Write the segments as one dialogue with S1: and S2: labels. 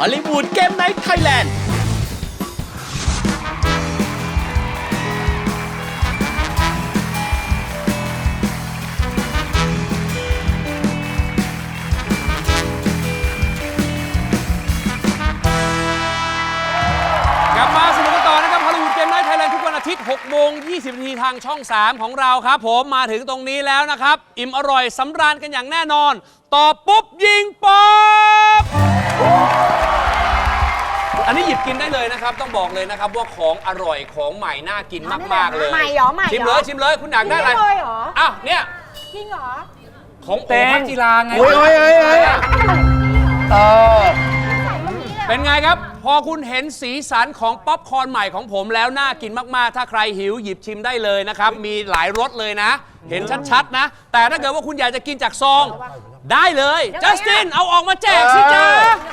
S1: อลลีวูดเกมไนท์ไทยแลนด์
S2: กลับมาสนุกกันต่อนะครับฮอลลีวูดเกมไนท์ไทยแลนด์ทุกวันอาทิตย์ 6 โมง 20 นาทีทางช่อง 3 ของเราครับผมมาถึงตรงนี้แล้วนะครับ อิ่มอร่อยสำราญกันอย่างแน่นอน ตอบปุ๊บ ยิงป๊อบอันนี้หยิบกินได้เลยนะครับ ต้องบอกเลยนะครับว่าของอร่อยของใหม่น่ากินมาก ๆ เลย
S3: ใหม่เหรอใหม่เหรอ
S2: ชิมเลยชิมเลยคุณอยากได้อะไร
S3: จริงเลยเหรอ
S2: อ้าวเนี่ย
S3: จริงเหรอ
S2: ของโอภัจิราไง
S4: โอ้ย
S2: เป็นไงครับ พอคุณเห็นสีสันของป๊อปคอร์นใหม่ของผมแล้วน่ากินมาก ๆ ถ้าใครหิวหยิบชิมได้เลยนะครับ มีหลายรสเลยนะ เห็นชัด ๆ นะ แต่ถ้าเกิดว่าคุณอยากจะกินจากซอง ได้เลยจัสตินเอาออกมาแจกสิจ้า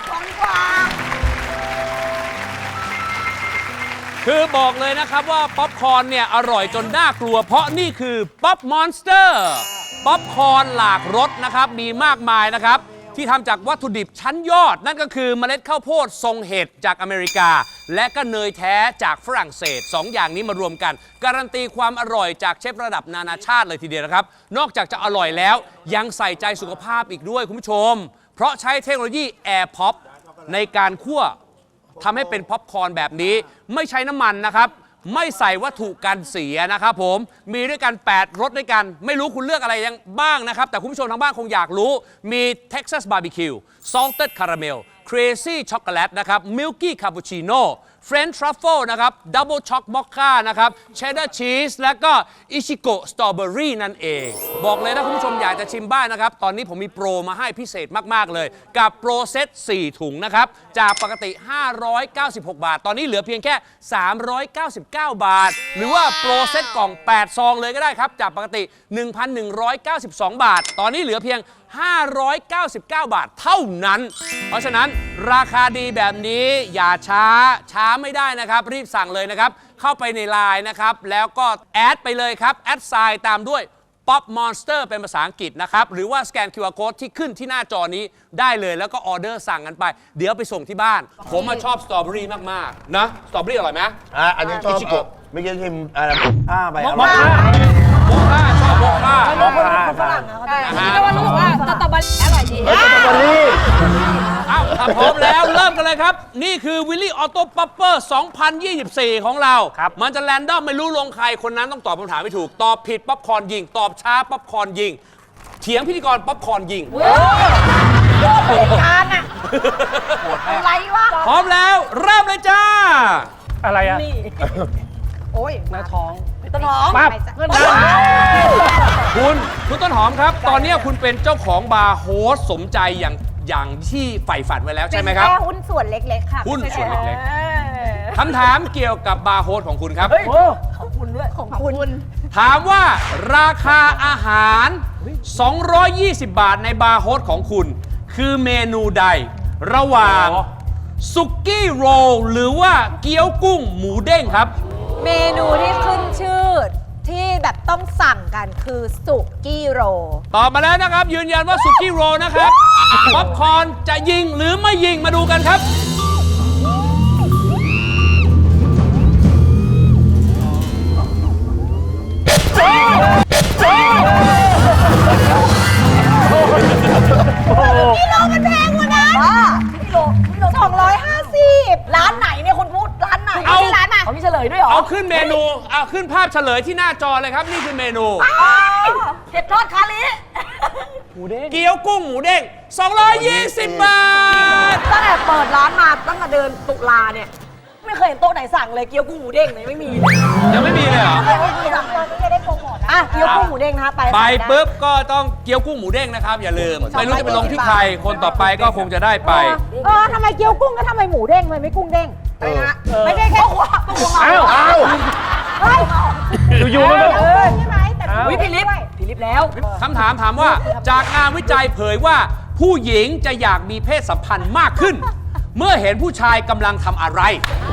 S2: คือบอกเลยนะครับว่าป๊อปคอร์นเนี่ยอร่อยจนน่ากลัวเพราะนี่คือป๊อปมอนสเตอร์ป๊อปคอร์นหลากรสนะครับมีมากมายนะครับที่ทำจากวัตถุดิบชั้นยอดนั่นก็คือเมล็ดข้าวโพดทรงเห็ดจากอเมริกาและก็เนยแท้จากฝรั่งเศส2 อย่างนี้มารวมกันการันตีความอร่อยจากเชฟระดับนานาชาติเลยทีเดียวนะครับนอกจากจะอร่อยแล้วยังใส่ใจสุขภาพอีกด้วยคุณผู้ชมเพราะใช้เทคโนโลยี Air Pop ในการคั่วทำให้เป็นป๊อปคอร์นแบบนี้ไม่ใช้น้ำมันนะครับไม่ใส่วัตถุกันเสียนะครับผมมีด้วยกัน8รสด้วยกันไม่รู้คุณเลือกอะไรยังบ้างนะครับแต่คุณผู้ชมทางบ้านคงอยากรู้มี Texas Barbecue Salted Caramel Crazy Chocolate นะครับ Milky Cappuccino French Truffle นะครับ Double Choc Mocha นะครับ Cheddar Cheese และก็ Ichigo Strawberry นั่นเองบอกเลยถ้าคุณผู้ชมอยากจะชิมบ้างนะครับตอนนี้ผมมีโปรมาให้พิเศษมากๆเลยกับโปรเซต4ถุงนะครับจากปกติ596 บาทตอนนี้เหลือเพียงแค่399 บาทหรือว่าโปรเซตกล่อง8ซองเลยก็ได้ครับจากปกติ 1,192 บาทตอนนี้เหลือเพียง599 บาทเท่านั้นเพราะฉะนั้นราคาดีแบบนี้อย่าช้าไม่ได้นะครับรีบสั่งเลยนะครับเข้าไปในไลน์นะครับแล้วก็แอดไปเลยครับแอดไซน์ตามด้วย Pop Monster เป็นภาษาอังกฤษนะครับหรือว่าสแกน QR Code ที่ขึ้นที่หน้าจอนี้ได้เลยแล้วก็ออเดอร์สั่งกันไปเดี๋ยวไปส่งที่บ้านผมชอบสตรอเบอรี่มากๆนะสตรอเบอรี่อร่อยไหม
S4: อันนี้ชอบไม่กินชิมอะไรไปอร่อย
S2: โมค่าชอบโมค่า
S3: คนฝรั่งนะเขาจะว่ารู้สึกว่าสตรอเบอรี่อร่อยดี
S4: สตรอเบอรี่
S2: อ้าวถ้าพร้อมแล้วเริ่มกันเลยครับนี่คือวิลลี่ออโต้ป๊อปเปอร์2024 ของเรามันจะแรนดอมไม่รู้ลงใครคนนั้นต้องตอบคำถามไม่ถูกตอบผิดป๊อปคอร์นยิงตอบช้าป๊อปคอร์นยิงเถียงพิธีกรป๊อปคอร์นยิง
S3: การอะอะไรวะ
S2: พร้อมแล้วเริ่มเลยจ้า
S5: อะไรอ่ะ
S3: โอ้ย
S5: หน้าท้อง
S3: ต้นหอม
S5: ปั๊บ
S2: คุณต้นหอมครับตอนนี้คุณเป็นเจ้าของบาร์โฮสสมใจอย่างที่ใฝ่ฝันไว้แล้วใช่ไหมครับ
S3: เป็นแค่หุ้นส่วนเล็กๆค่ะ
S2: หุ้นส่วนเล็กๆคำถามเกี่ยวกับบาร์โฮสของคุณครับ
S3: ของคุณด้วยของคุณ
S2: ถามว่าราคาอาหาร220 บาทในบาร์โฮสของคุณคือเมนูใดระหว่างสุกี้โรลหรือว่าเกี๊ยวกุ้งหมูเด้งครับ
S3: เมนูที่ขึ้นชื่อที่แบบต้องสั่งกันคือสุกี้โร
S2: ตอบมาแล้วนะครับยืนยันว่าสุกี้โรลนะครับป๊อปคอร์นจะยิงหรือไม่ยิงมาดูกันครับ
S3: กิโลมันแพงกว่านั้นกิโล250ร้านไหนเนี่ยคุณพูดร้านไหนเอาร้านมาเขามีเฉลยด้วยเหรอ
S2: เอาขึ้นเมนูเอาขึ้นภาพเฉลยที่หน้าจอเลยครับนี่คือเมนู
S3: เห็ดทอดคาลิ
S2: เกี๊ยวกุ้งหมูเด้ง220 บาท
S3: ตั้งแต่เปิดร้านมาตั้งแต่เดินตุลาเนี่ยไม่เคยเห็นโต๊ะไหนสั่งเลยเกี๊ยวกุ้งหมูเด้งเลยไม่มี
S2: ยังไม่มีเลยเหรอ
S3: ไม่มีสั่งเลยไม่ได้โปรโมทอ่ะเกี๊ยวกุ้งหมูเด้งนะคะไป
S2: ปุ๊บก็ต้องเกี๊ยวกุ้งหมูเด้งนะครับอย่าลืมไม่รู้จะไปลงที่ใครคนต่อไปก็คงจะได้ไป
S3: ทำไมเกี๊ยวกุ้งก็ทำไมหมูเด้งทำไมไม่กุ้งเด้งไม่ได้แค่หัว
S4: อ้าว
S5: อยู่ๆมันก็
S3: ใช่ไหมแต่พี่ลิฟแล้ว
S2: คำถามถามว่าจากงานวิจัยเผยว่าผู้หญิงจะอยากมีเพศสัมพันธ์มากขึ้น เมื่อเห็นผู้ชายกำลังทำอะไร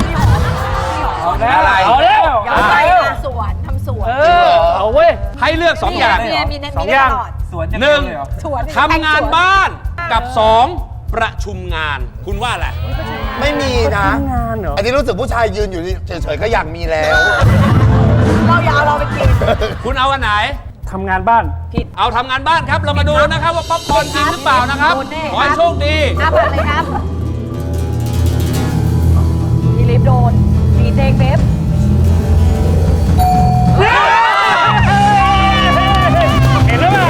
S5: อะไรเอาแล้ว
S3: อย่าไปสวนทำสวน
S5: เอาเว้ย
S2: ให้เลือก2 อย่าง
S3: มีสองอย่าง
S2: หนึ่งทำงานบ้านกับ2ประชุมงานคุณว่าอะไร
S4: ไม่มีนะ
S5: งานเหรอ
S4: อันนี้รู้สึกผู้ชายยืนอยู่เฉยๆก็อยากมีแล้ว
S3: เราอย่าเอาเราไปกิน
S2: คุณเอาอันไหน
S5: ทำงานบ้าน
S2: เอาทำงานบ้านครับ เรามาดูนะครับว่าป๊อปคอร์นจริงหรือเปล่านะครับ
S3: โดนแน่
S2: ขอให้โชคดี
S3: อาผ่านเลยครับมีลิฟโดน มีเจงเบฟ
S5: เห็นหรือเปล่า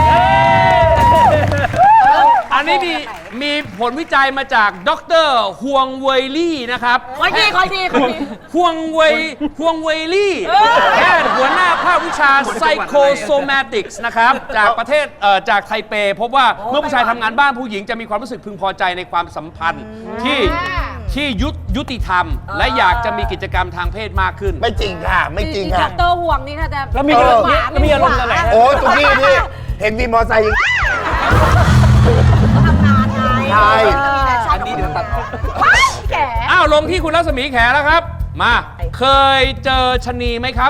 S2: อันนี้มีผลวิจัยมาจากดรฮวงเวยลี่นะครับ
S3: คอยดี
S2: ฮวงเวยลี่แพทย์หัวหน้าภาควิชา psychosomatics นะครับจากประเทศจากไทเป พบว่าเมื่อผู้ชายทำงานบ้านผู้หญิงจะมีความรู้สึกพึงพอใจในความสัมพันธ์ที่ยุติธรรม และอยากจะมีกิจกรรมทางเพศมากขึ้น
S4: ไม่จริงค่ะ ไม่จริงค่ะ
S3: เตอร์ห่วงนี่ถ้าจะ
S5: แล้วมีอารมณ์แล้วมีอารมณ์ตอนไหน
S4: โอ้ทุกที่ที่เห็นมีมอเตอร์ไซค์ยัง
S3: ทำงานไง
S4: ใช่
S3: อันนี้เดี๋ยวตัดแก่
S2: อ้าวลงที่คุณรัศมีแขแล้วครับ มา เคยเจอชะนีไหมครับ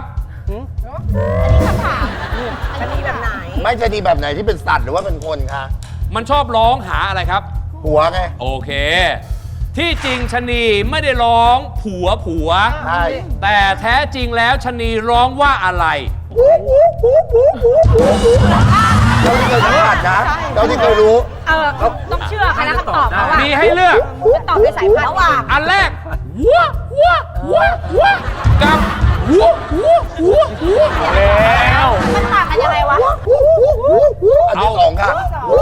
S3: จะมีแบบไหน
S4: ไม่จะดีแบบไหนที่เป็นสัตว์หรือว่าเป็นคนคะ
S2: มันชอบร้องหาอะไรครับ
S4: หัวไง
S2: โอเค ที่จริงชะนีไม่ได้ร้องผัว
S4: ใช่
S2: แต่แท้จริงแล้วชะนีร้องว่าอะไร
S4: เจ้าที่เคยสัมผัสนะเจ้าที่เคยรู้
S3: ต้องเชื่อใครนะคำตอบเขาอะ
S2: มีให้เลือก
S3: ตอบด้วยสายพันธุ์ระหว่าง
S2: อันแรกวัวกับวัว
S5: แล้ว
S3: มันต่างกันยังไงวะ
S4: อันที่สองค่ะ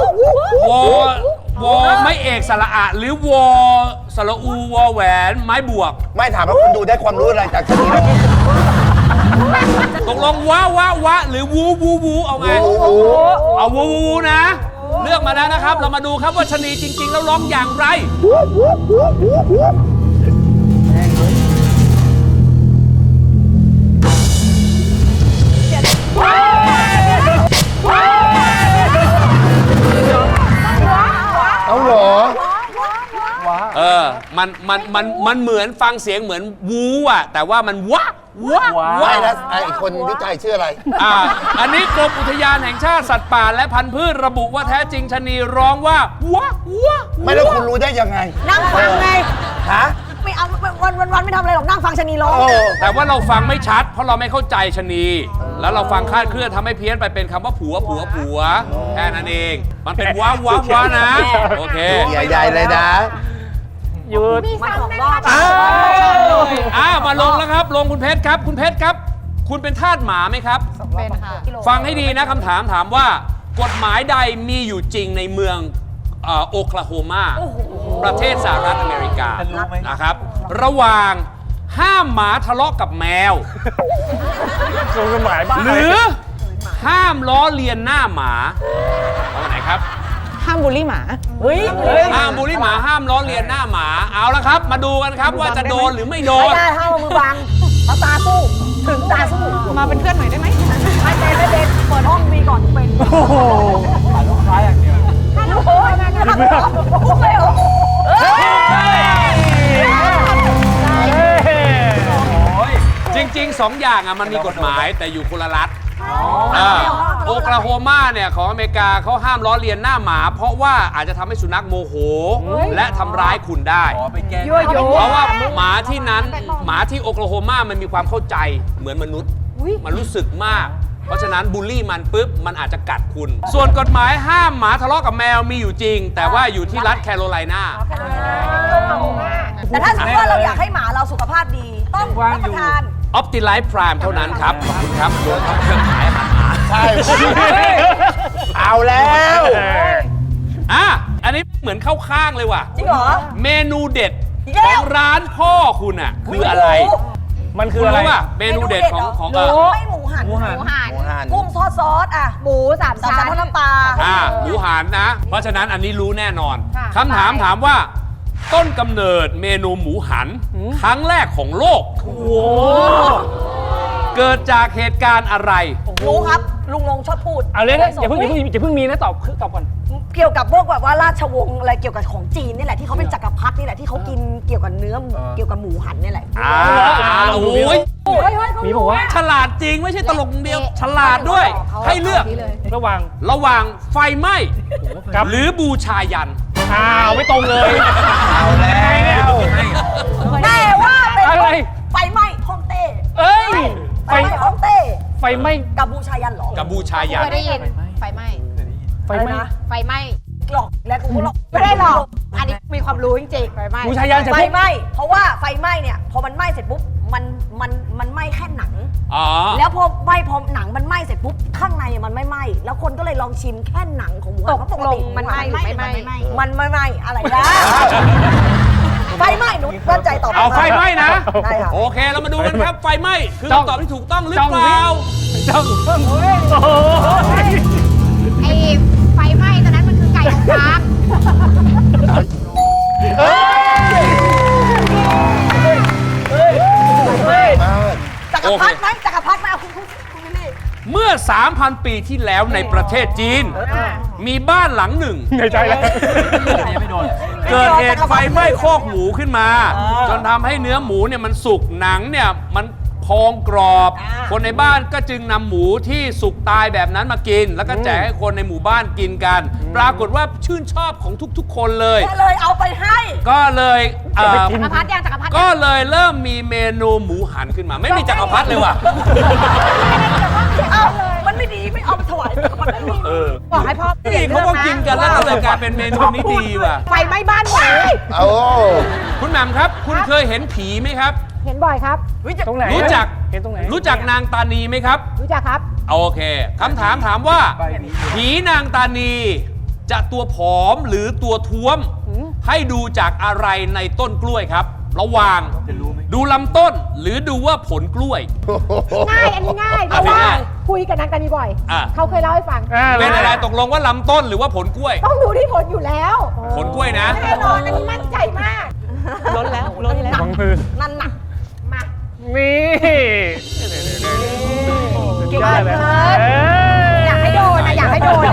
S2: วอไม่เอกสระอะหรือวอสระอูวอแหวนไม้บวก
S4: ไม่ถามว่าคุณดูได้ความรู้อะไรจากชนิดนี้
S2: ตกลงวะหรือวูเอาไง เอาวูนะ เลือกมาแล้วนะครับ เรามาดูครับว่าชะนีจริง ๆ แล้วร้องอย่างไร
S4: เอาเหรอ
S2: มันเหมือนฟังเสียงเหมือนวูอ่ะ แต่ว่ามันวะ
S4: ไม่นะไอ้คนวิจัยชื่ออะไร
S2: อันนี้กรมอุทยานแห่งชาติสัตว์ป่าและพันธุ์พืชระบุว่าแท้จริงชะนีร้องว่าวะ
S4: ไม่แล้วคุณรู้ได้ยังไง
S3: นั่งฟังไง
S4: ฮะ
S3: ไม่เอาวันไม่ทำอะไรหรอกนั่งฟังชะนีร้อง
S4: โอ้
S2: แต่ว่าเราฟังไม่ชัด เพราะเราไม่เข้าใจชะนี แล้วเราฟังคลาดเคลื่อนทำให้เพี้ยนไปเป็นคำว่าผัวแค่นั้นเอง มันเป็นวะนะ โอเค
S4: ใหญ่ๆเลยนะ
S5: หยุด
S3: มาสองรอบ
S2: มาลงแล้วครับ ลงคุณเพชรครับ คุณเพชรครับ คุณเป็นทาสหมาไหมครับ
S3: เป็นค่ะ
S2: ฟังให้ดีนะคำถามถามว่า กฎหมายใดมีอยู่จริงในเมืองโอคลาโฮมาประเทศสหรัฐอเมริกานะครับ ระหว่างห้ามหมาทะเลาะกับแมว
S5: กฎหมายบ้า
S2: หรือห้ามล้อเลียนหน้าหมาเอาไหนครับ
S3: ห้ามบูลลี่หมา เฮ้ย
S2: ห้ามบูลลี่หมาห้ามล้อเลียนหน้าหมาเอาละครับ มาดูกันครับว่าจะโดนหรือไม่โด
S3: ไม่
S2: น
S3: ได้ห้ามเอามือบังเอาตาสู้ ถึงตาสู้ มาเป็นเพื่อนหน่อยได้ไหมไม่เป็นเปิดห้องมีก่อนเป็น
S5: โอ้โห
S3: ฮัลโหลพูดเลยเหรอ
S2: จริงๆ 2 อย่างมันมีกฎหมายแต่อยู่คนละรัฐโอคลาโฮมาเนี่ยของอเมริกาเขาห้ามล้อเลียนหน้าหมา เพราะว่าอาจจะทำให้สุนัขโมโห และทำร้ายคุณได้ เพราะว่าหมาที่นั้นหมาที่โอคลาโฮมามันมีความเข้าใจเหมือนมนุษย์ มันรู้สึกมาก เพราะฉะนั้นบูลลี่มันปุ๊บมันอาจจะกัดคุณ ส่วนกฎหมายห้ามหมาทะเลาะกับแมวมีอยู่จริง แต่ว่าอยู่ที่รัฐแคโรไลนา
S3: แต่ถ้าสมมติว่าเราอยากให้หมาเราสุขภาพดี ต้องรับประทาน
S2: ออปติไลฟ์พรามเท่านั้นครับ ขอบคุณครับโดนเครื่องขายอาหารหมา
S4: ใช่ เอาแล้ว
S2: อันนี้เหมือนเข้าข้างเลยว่ะ
S3: จริงเหรอ
S2: เมนูเด็ด
S3: อีกแล้
S2: ข
S3: ว
S2: องร้านพ่อคุณอ่ะ คืออะไร
S5: มันคื
S2: คุ
S5: อ
S2: ณ
S5: อะไร
S2: รู้ป่ะเมนูเด็ดของ
S3: ไม่หมูหัน
S5: หมูหัน
S3: กุ้งทอดซอสอ่ะหมูสามชั้นทอดน้ำปลา
S2: หมูหันนะ เพราะฉะนั้นอันนี้รู้แน่นอน
S3: ค่ะ
S2: คำถามถามว่า ต้นกำเนิดเมนูหมูหัน ครั้งแรกของโลก เกิดจากเหตุการณ์อะไร
S3: รู้ครับ ลุงลงชอบพูด
S5: เอาเลยนะอย่าเพิ่งมีนะตอบก่อน
S3: เกี่ยวกับพวกแบบว่าราชวงศ์อะไรเกี่ยวกับของจีนนี่แหละที่เขาเป็นจักรพรรดินี่แหละที่เขากินเกี่ยวกับเนื้อเกี่ยวกับหมูหันนี่แหละ
S2: โอ้ย
S5: มีบอกว่า
S2: ฉลาดจริงไม่ใช่ตลกอย่างเดียว ฉลาดด้วย ให้เลือก
S5: ระหว่าง
S2: ระหว่างไฟไหม้
S5: กับ
S2: หรือบูชายัน
S5: ไม่ตรงเลย
S4: เอาแล้ว
S5: ไฟไหม้
S3: กัมพูชายันเหรอ
S2: กัมพูชายัน
S6: เคยได้ยินไฟไหม้
S5: ไฟไหม้
S6: ไฟไหม้
S3: หลอกแล้วกูก็หลอก
S6: ไม่ได้หรอก อันนี้มีความรู้จริงๆไฟไหม้
S5: บูชายันเสร็จ
S3: ไฟ
S5: ปุ๊บ
S3: ไหม้เพราะว่าไฟไหม้เนี่ยพอมันไหม้เสร็จปุ๊บมันไหม้แค่หนัง
S2: อ๋อ
S3: แล้วพอหนังมันไหม้เสร็จปุ๊บข้างในมันไม่ไหม้แล้วคนก็เลยลองชิมแค่หนังของหมูหันเพราะปกติ
S6: มันไหม้หรือไม่ไหม้
S3: มันไม่ไหม้อะไรนะไฟไหม้หนูมั่นใจตอบ
S2: เอาไฟไหม้นะ
S3: ได้ค่ะ
S2: โอเคเรามาดูกันครับ ไฟไหม้คือคำตอบที่ถูกต้องหรือเปล่า
S5: จ้องโอ้ย
S6: ไอ้ไฟไหม้ตอนนั้นมันคือไก่ของช้าง
S3: จักรพรรดิไหมจักรพรรดิไหมเอาคุณวิลลี่
S2: เมื่อ 3,000 ปีที่แล้วในประเทศจีน มีบ้านหลังหนึ่ง
S5: ในใจแล้ว
S2: เกิดเหตุไฟไหม้คอกหมูขึ้นมา จนทำให้เนื้อหมูเนี่ยมันสุกหนังเนี่ยมันพองกรอบ คนในบ้านก็จึงนำหมูที่สุกตายแบบนั้นมากิน แล้วก็แจกให้คนในหมู่บ้านกินกัน ปรากฏว่าชื่นชอบของทุกๆ คนเลย
S3: ก็เลยเอาไปให้
S2: ก็เลย
S6: จักรพรรดิยังจักรพรรดิ
S2: ก็เลยเริ่มมีเมนูหมูหันขึ้นมา ไม่มีจักรพรรดิเลยว่ะ
S3: เอามันไม่ดีไม่เอาไปถวายจักรพรรดิไม่ดี
S6: บอกให้พ่อเปลี่ย
S2: นี่
S6: น
S2: เขา
S6: เรื่อง
S2: ก็
S6: นะ
S2: กินกันแล้วก็เลยกลายเป็นเมนูนี้ดีว่ะ
S6: ไฟไหม้บ้านหมู
S4: เอา
S2: คุณแหม่มครับ คุณเคยเห็นผีไหมครับ
S6: เห็นบ่อยครับ
S5: ตรงไหน
S2: รู้จัก
S5: เห็นตรงไหน
S2: รู้จักนางตานีไหมครับ
S6: รู้จักครับ
S2: โอเคคำถามถามว่า ผีนางตานีจะตัวผอมหรือตัวท้วม ให้ดูจากอะไรในต้นกล้วยครับ ระหว่างดูลำต้นหรือดูว่าผลกล้วย
S6: ง่าย อันนี้ง่ายเพ
S2: อ่ะ
S6: ราะว่า
S2: ง่าย
S6: คุยกับนางตานีบ่อย
S2: อ่ะ
S6: เขาเคยเล่าให้ฟัง
S2: เป็นอะไรตกลงว่าลำต้นหรือว่าผลกล้วย
S6: ต้องดูที่ผลอยู่แล้ว
S2: ผลกล้วยนะ
S6: แน่นอนอันนี้มั่นใจมาก
S3: ล้นแล้ว
S5: วางมือ
S3: นั่นหนัก
S6: มา
S5: นี่
S6: เก่ง
S5: ได้
S6: เล
S5: เลย
S6: ยอยากให้โดนนะอยากให้โดน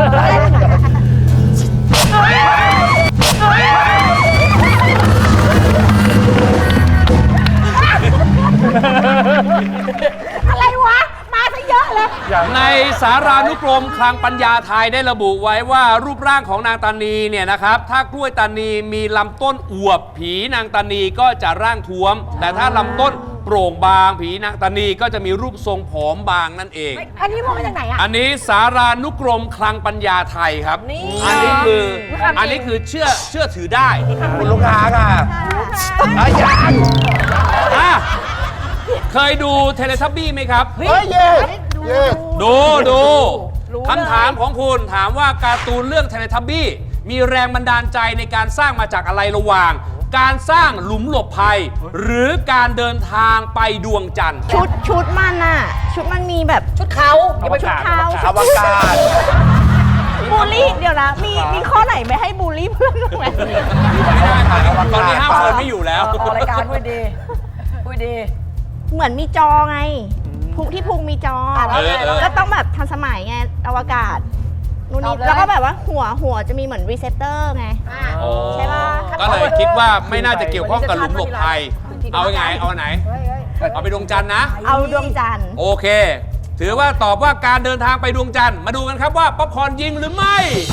S6: อะไรวะ มาซะเยอะเลย
S2: ในสารานุกรมคลังปัญญาไทยได้ระบุไว้ว่ารูปร่างของนางตานีเนี่ยนะครับ ถ้ากล้วยตานีมีลำต้นอวบ ผีนางตานีก็จะร่างท้วม แต่ถ้าลำต้นโปร่งบาง ผีนางตานีก็จะมีรูปทรงผอมบางนั่นเอง
S6: อันนี้มาจากไหนอ่ะ
S2: อันนี้สารานุกรมคลังปัญญาไทยครับ อันนี้คือเชื่อถือได้
S4: คุณลูกค้าค่ะอายัง
S2: อ่ะเคยดูเทเลทับบี้ไหมครับ
S4: เฮ้ยเย่เย่
S2: ดูคำถามของคุณถามว่าการ์ตูนเรื่องเทเลทับบี้มีแรงบันดาลใจในการสร้างมาจากอะไรระหว่าง การสร้างหลุมหลบภัย หรือการเดินทางไปดวงจันทร์
S7: ชุดมันอะชุดมันมีแบบ
S3: ชุดเขาอย่าไป
S5: อวกาศ
S7: เท้า
S4: อวกาศ
S7: บูลลี่เดี๋ยวนะมีข้อไหนไม่ให้บูลลี่เพื่อนบ้างไหม
S2: ไม่ได้ค่ะตอนนี้ห้ามเฟิร์นไม่อยู่แล้ว
S3: ออกรายการพูดดีพูดดี
S7: เหมือนมีจอไงพุงที่พุงมีจอ
S3: แล้วไงแล้วไง
S7: ก็ต้องแบบทันสมัยไงอวกาศนู่นนี่แล้วก็แบบว่าหัวจะมีเหมือนรีเซปเตอร์ไง ใช่ปะ
S2: ก็เลยคิดว่าไม่น่าจะเกี่ยวข้องกับหลุมหลบภัย เอาไง เอาอันไหน เอาไปดวงจันทร์นะ
S7: เอาดวงจันทร์
S2: โอเค ถือว่าตอบว่าการเดินทางไปดวงจันทร์ มาดูกันครับว่าป๊อปคอร์นยิงหรือไม่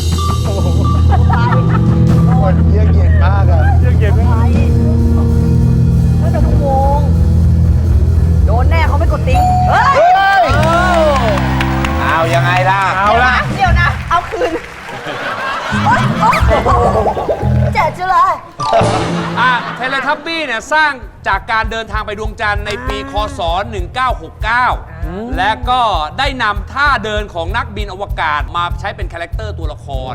S4: คนเยี่ยเย็นมากอะ
S5: เย็นไหม
S3: ไม่เป็นวงโดนแน่เขาไม่กดติ๊งเฮ้ย
S4: เอายังไงล่ะ
S5: เอาละ
S7: เดี๋ยวนะ เอาคืน
S3: เจ๋จุเลย
S2: เทเลทับบี้เนี่ยสร้างจากการเดินทางไปดวงจันทร์ในปีคศ 1969 และก็ได้นำท่าเดินของนักบินอวกาศมาใช้เป็นคาแรคเตอร์ตัวละคร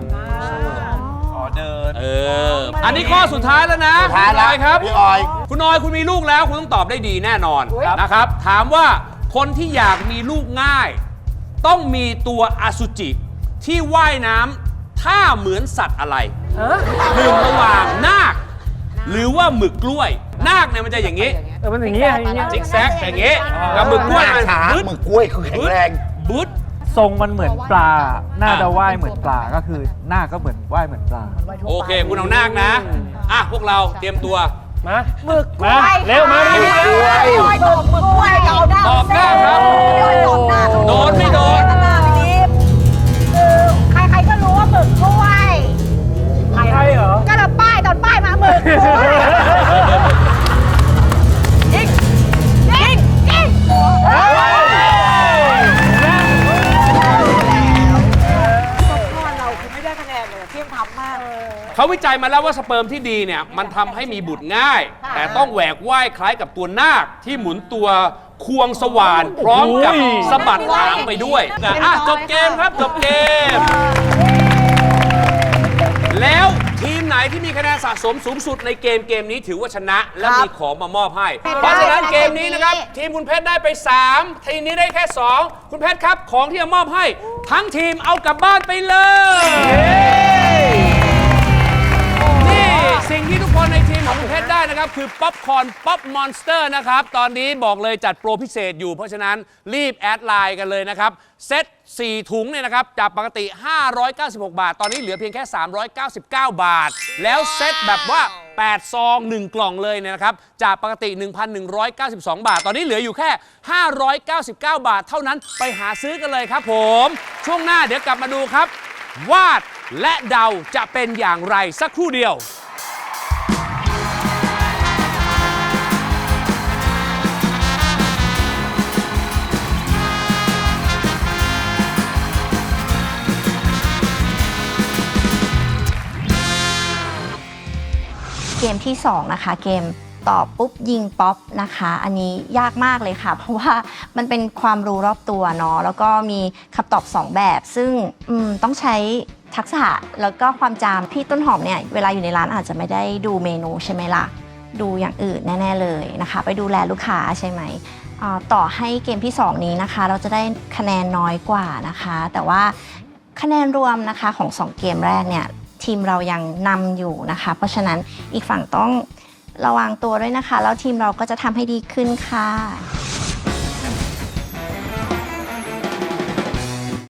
S2: อันนี้ข้อสุดท้ายแล้วนะ
S4: สุดท้ายแล้ว
S2: คุณอครับ
S4: พี่ออย
S2: คุณออยคุณมีลูกแล้วคุณต้องตอบได้ดีแน่นอนนะครับ ถามว่าคนที่อยากมีลูกง่าย ต้องมีตัวอสุจิที่ว่ายน้ำท่าเหมือนสัตว์อะไรหนึ่งระหว่างนาค หรือว่าหมึกกล้วย นาคเนี่ยมันจะอย่างนี้
S5: มันอย่างนี้อย่างนี้
S2: ซิกแซกอย่างนี้กับหมึกกล้วยมัน
S4: ช้า
S2: บึ๊ด
S4: มือกล้วยคือแข็งแรง
S2: บึ๊ด
S8: ทรงมันเหมือนปลา น่าจะว่ายเหมือนปลา ก็คือหน้าก็เหมือนว่ายเหมือนปลา
S2: โอเค คุณเอานาคนะ พวกเราเตรียมตัว
S5: มามาเร็วมา
S3: ไม่ตอบมือกล้วยเอาหน้า
S2: ตอบหน้าครับ
S3: ไม่ตอบหน้า
S2: โดนไม่โดน
S3: หน้าไม่ดี
S6: ใครๆก็รู้ว่าหมึกกล้วย
S5: ใช่เหรอ
S6: ก็เราป้ายตอนป้ายมาหมึกกล้วย
S3: ยิง
S6: ยิงยิง
S2: เขาวิจัยมาแล้วว่าสเปิร์มที่ดีเนี่ยมันทำให้มีบุตรง่าย แต่ต้องแหวกว่ายคล้ายกับตัวนาคที่หมุนตัวควงสว่านพร้อมกับสะบัดหางไปด้วยจบเกมครับจบเกม แล้วทีมไหนที่มีคะแนนสะสมสูงสุดในเกมนี้ถือว่าชนะและมีของมามอบให้ เพราะฉะนั้นเกมนี้นะครับทีมคุณเพชรได้ไป 3 ทีมนี้ได้แค่ 2 คุณเพชรครับของที่จะมอบให้ทั้งทีมเอากลับบ้านไปเลยนี่สิ่งที่ทุกคนในทีมของคุณเพชรได้นะครับคือป๊อปคอร์นป๊อปมอนสเตอร์นะครับตอนนี้บอกเลยจัดโปรพิเศษอยู่เพราะฉะนั้นรีบแอดไลน์กันเลยนะครับเซ็ต4 ถุงเนี่ยนะครับจากปกติ596 บาทตอนนี้เหลือเพียงแค่399 บาทแล้วเซ็ตแบบว่า8 ซอง 1 กล่องเลยเนี่ยนะครับจากปกติ 1,192 บาทตอนนี้เหลืออยู่แค่599 บาทเท่านั้นไปหาซื้อกันเลยครับผมช่วงหน้าเดี๋ยวกลับมาดูครับวาดและเดาจะเป็นอย่างไรสักครู่เดียว
S7: เกมที่ 2 นะคะเกมตอบปุ๊บยิงป๊อปนะคะอันนี้ยากมากเลยค่ะเพราะว่ามันเป็นความรู้รอบตัวเนาะแล้วก็มีคำตอบ 2 แบบซึ่งต้องใช้ทักษะแล้วก็ความจำพี่ต้นหอมเนี่ยเวลาอยู่ในร้านอาจจะไม่ได้ดูเมนูใช่ไหมล่ะดูอย่างอื่นแน่ๆเลยนะคะไปดูแลลูกค้าใช่ไหมต่อให้เกมที่ 2 นี้นะคะเราจะได้คะแนนน้อยกว่านะคะแต่ว่าคะแนนรวมนะคะของ2 เกมแรกเนี่ยทีมเรายังนำอยู่นะคะเพราะฉะนั้นอีกฝั่งต้องระวังตัวด้วยนะคะแล้วทีมเราก็จะทำให้ดีขึ้นค่ะ